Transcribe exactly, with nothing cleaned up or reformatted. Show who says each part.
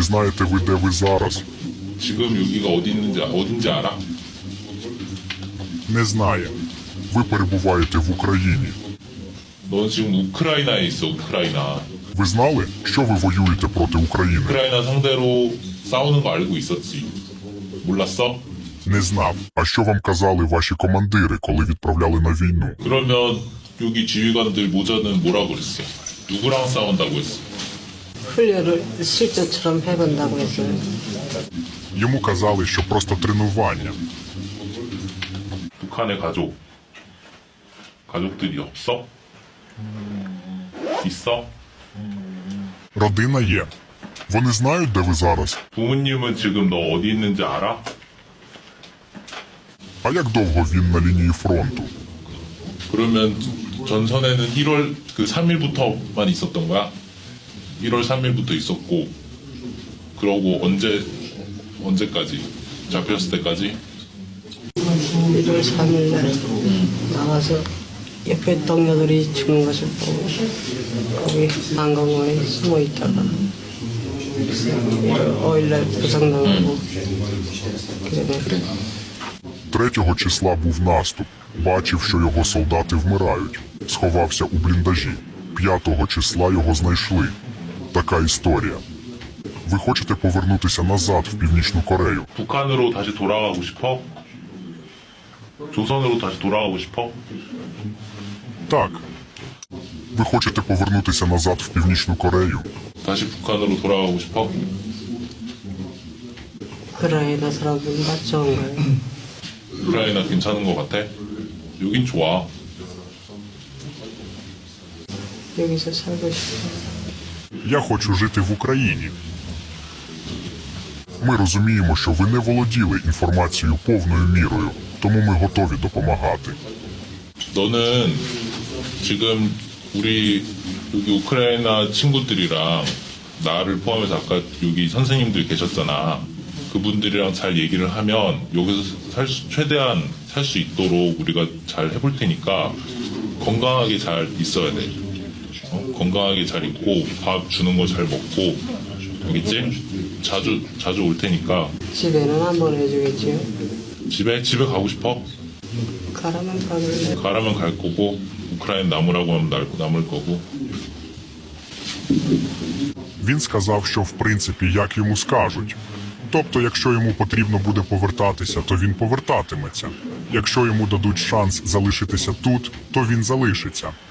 Speaker 1: І знаєте ви, де ви зараз?
Speaker 2: 지금 여기가 어디 있는지 어딘지 알아?
Speaker 1: Не знає. Ви перебуваєте в Україні.
Speaker 2: 넌 지금 우크라이나에 있어. 우크라이나.
Speaker 1: Ви знали, що ви воюєте проти України?
Speaker 2: 우크라이나 상대로 싸우는 거 알고 있었지. 몰랐어?
Speaker 1: Не знав. А що вам казали ваші командири, коли відправляли на війну?
Speaker 2: 그러면 여기 지휘관들 모자는 뭐라고 그랬어? 누구랑 싸운다고 했어?
Speaker 3: 훈련을 실전처럼 해본다고 했어요.
Speaker 1: Йому казали, що просто тренування.
Speaker 2: 북한의 가족. 가족들이 없어? 있어?
Speaker 1: Родина є. Вони знають, де ви зараз?
Speaker 2: 부모님은 지금 너 어디 있는지 알아?
Speaker 1: А як довго він на лінії фронту?
Speaker 2: 그러면 전선에는 일월 그 삼 일부터만 있었던 거야? 일월 삼 일부터 있었고 그러고 언제 언제까지? 잡혔을 때까지?
Speaker 3: 일월 삼일 날 나와서 옆에 동료들이 죽는 것을 보고 거기 한강원에 숨어 있다가 오일 날 부상당하고 그러네.
Speaker 1: Третього числа був наступ. Бачив, що його солдати вмирають. Сховався у бліндажі. П'ятого числа його знайшли. Така історія. Ви хочете повернутися назад в Північну Корею?
Speaker 2: 북한으로 다시 돌아가고 싶어? 조선으로 다시 돌아가고 싶어?
Speaker 1: Так. Ви хочете повернутися назад в Північну Корею?
Speaker 2: 다시 북한으로 돌아가고 싶어?
Speaker 3: 우크라이나 사람들은 다 좋은 거예요.
Speaker 2: 우크라이나 괜찮은 것 같아? 여긴 좋아.
Speaker 3: 여기서 살고 싶어요.
Speaker 1: Я хочу жити в Україні. Ми розуміємо, що ви не володіли інформацією повною мірою, тому ми готові допомагати.
Speaker 2: 너는 지금 우리 여기 우크라이나 친구들이랑 나를 포함해서 아까 여기 선생님들 계셨잖아. 그분들이랑 잘 얘기를 하면 여기서 살 수, 최대한 살 수 있도록 우리가 잘 해볼 테니까 건강하게 잘 있어야 돼. 어? 건강하게 잘 있고 밥 주는 거 잘 먹고 알겠지? 자주 자주 올 테니까
Speaker 3: 집에는 한번 해주겠지요.
Speaker 2: 집에 집에 가고 싶어?
Speaker 3: 가라면 가길래
Speaker 2: 가라면 갈 거고 우크라이나 남으라고 하면 날- 남을 거고.
Speaker 1: Він сказав, що в принципі як йому скажуть. Тобто, якщо йому потрібно буде повертатися, то він повертатиметься. Якщо йому дадуть шанс залишитися тут, то він залишиться.